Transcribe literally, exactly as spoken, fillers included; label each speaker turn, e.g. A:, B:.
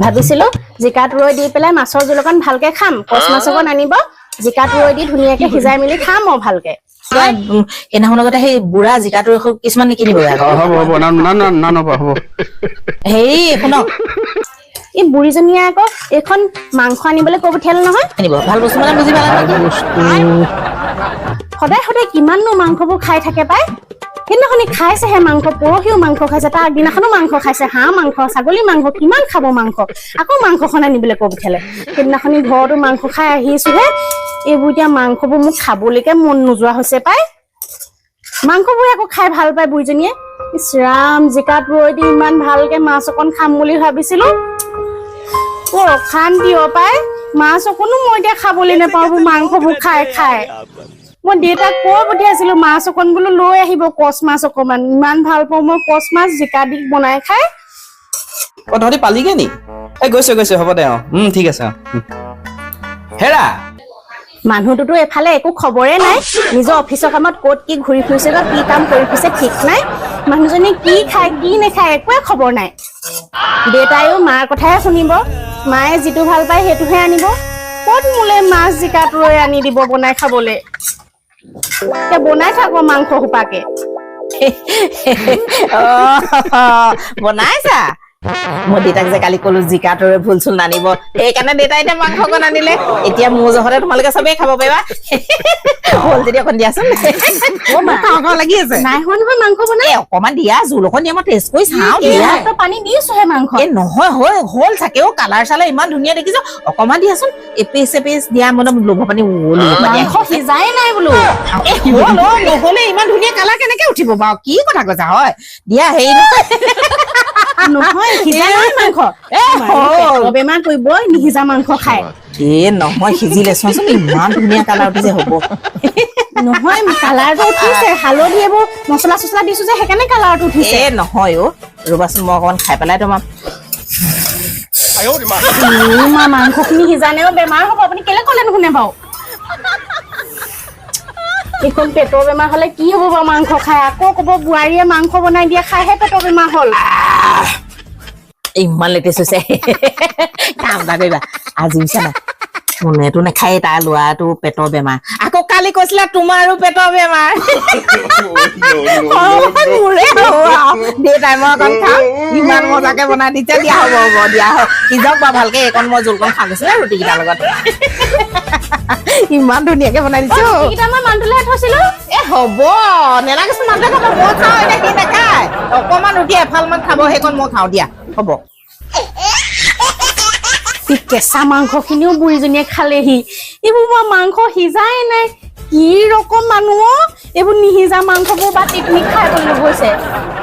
A: ভাবিছিলো জিকাত ৰৈ দি পেলাই মাছৰ জোল অকণ ভালকে খাম কচ মাছ অকণ আনিব জিকাত ৰৈ দি ধুনীয়াকে সিজাই মেলি খাম অ ভালকে
B: এনাহৰ লগতে সেই বুঢ়া জিকাটো কিছুমান নিকিনিব
C: হ'ব হ'ব না না না নব হ'ব
B: হেৰি শুনক
A: এই বুঢ়ীজনীয়ে আকৌ এখন মাংস আনিবলৈ কৈ পঠিয়ালে নহয়
B: আনিব ভাল বস্তু মানে বুজি পালা
A: সদায় সদায় কিমাননো মাংসবোৰ খাই থাকে পাই সেইদিনাখনি খাইছেহে মাংস পৰহিও মাংস খাইছে তাৰ আগদিনাখনো মাংস খাইছে হাঁহ মাংস ছাগলী মাংস কিমান খাব মাংস আকৌ মাংসখন আনিবলৈ কৈ পঠিয়ালে সেইদিনাখনি ঘৰতো মাংস খাই আহিছোহে এইবোৰ এতিয়া মাংসবোৰ মোক খাবলৈকে মন নোযোৱা হৈছে পাই মাংসবোৰ আকৌ খাই ভাল পায় বুঢ়ীজনীয়ে ইছ ৰাম জিকাত ৰৈ দি ইমান ভালকে মাছ অকণ খাম বুলি ভাবিছিলো বৰ অশান্তি অ পাই মাছ অকণো মই এতিয়া খাবলৈ নাপাওঁ মাংসবোৰ খাই খাই মই দেউতাক কৈ পঠিয়াইছিলো মাছ অকণ বোলো লৈ আহিব কচ মাছ অকণমান ইমান ভাল পাওঁ মই কচ মাছ জিকা দি বনাই খাই
D: অ তহঁতি পালিগে নি এই গৈছে গৈছে হ'ব দে অ উম ঠিক আছে অ হেৰা
A: মানুহটোতো এফালে একো খবৰে নাই নিজৰ অফিচৰ কামত ক'ত কি ঘূৰি ফুৰিছে বা কি কাম কৰি ফুৰিছে ঠিক নাই মানুহজনী কি খায় কি নাখায় একোৱে খবৰ নাই দেউতায়ো মাৰ কথাই শুনিব মায়ে যিটো ভাল পায় সেইটোহে আনিব ক'ত মোলে মাছ জিকাত ৰৈ আনি দিব বনাই খাবলৈ বনাই থাকো মাংস সোপাকে
B: বনাইছা মই দেউতাক যে কালি কলো জিকাটোৰে ভুল চুল নানিব সেইকাৰণে দেউতাই এতিয়া মাংস অকণ আনিলে এতিয়া মোৰ জহতে তোমালোকে চবেই খাব পাৰিবা ভুল যদি অকণ দিয়াচোন লাগি আছে
A: নাই হোৱা নহয় মাংস বনাই
B: অকণমান দিয়া জোল অকণ দিয়া মই টেষ্ট কৰি চাওঁ দিয়া
A: পানী দিছোহে মাংস
B: এই নহয় হয় হ'ল চাকেও কালাৰ চালাৰ ইমান ধুনীয়া দেখিছো অকণমান দিয়াচোন এপিচ এপিচ দিয়া মানে লোভ পানী
A: মাংস সিজাই নাই বোলো
B: নহলে ইমান ধুনীয়া কালাৰ কেনেকে উঠিব বাৰু কি কথা কৈছা হয় দিয়া হেৰি
A: নহয় সিজা নাই মাংস বেমাৰ কৰিব নিসিজা মাংস খাই
B: এ নহয় সিজিলে চোৱাচোন ইমান ধুনীয়া কালাৰ উঠিছে হ'ব
A: নহয় কালাৰটো উঠিছে হালধি এইবোৰ মছলা চছলা দিছো যে সেইকাৰণে কালাৰটো উঠিছে
B: এ নহয় অ ৰবাচোন মই অকণমান খাই পেলাই তোমাৰ
A: মাংসখিনি সিজানেও বেমাৰ হ'ব আপুনি কেলে ক'লে নুশুনে বাৰু এইখন পেটৰ বেমাৰ হলে কি হ'ব বাৰু মাংস খাই আকৌ ক'ব বোৱাৰীয়ে মাংস বনাই দিয়ে খাইহে পেটৰ বেমাৰ হ'ল
B: ইমান লেটেষ্ট হৈছে কাম এটা কৰিবা আজি হৈছে না কোনেতো নাখায় তাৰ ল'ৰাটো পেটৰ বেমাৰ আকৌ কালি কৈছিলা তোমাৰো পেটৰ বেমাৰ মোৰে দেউতাই মই অকণ খাম ইমান মজাকে বনাই দিছে দিয়া হ'ব হ'ব দিয়া হ'ব সিজক বা ভালকে এইকণ মই জোলকণ খাই গৈছিলে ৰুটি কেইটাৰ লগত ইমান ধুনীয়াকে বনাই দিছো
A: মই মানটোলেহে থৈছিলো
B: এ হ'ব নেলাগেচোন মানুহে খাব মই খাওঁ এতিয়া সি নাখায় অকণমান ৰুটি এফাল মান খাব সেইকণ মই খাওঁ দিয়া হ'ব
A: কেঁচা মাংস খিনিও বুঢ়ীজনীয়ে খালেহি এইবোৰ মই মাংস সিজাই নাই কি ৰকম মানুহ এইবোৰ নিসিজা মাংসবোৰ বা টিকনিক খাই বুলি গৈছে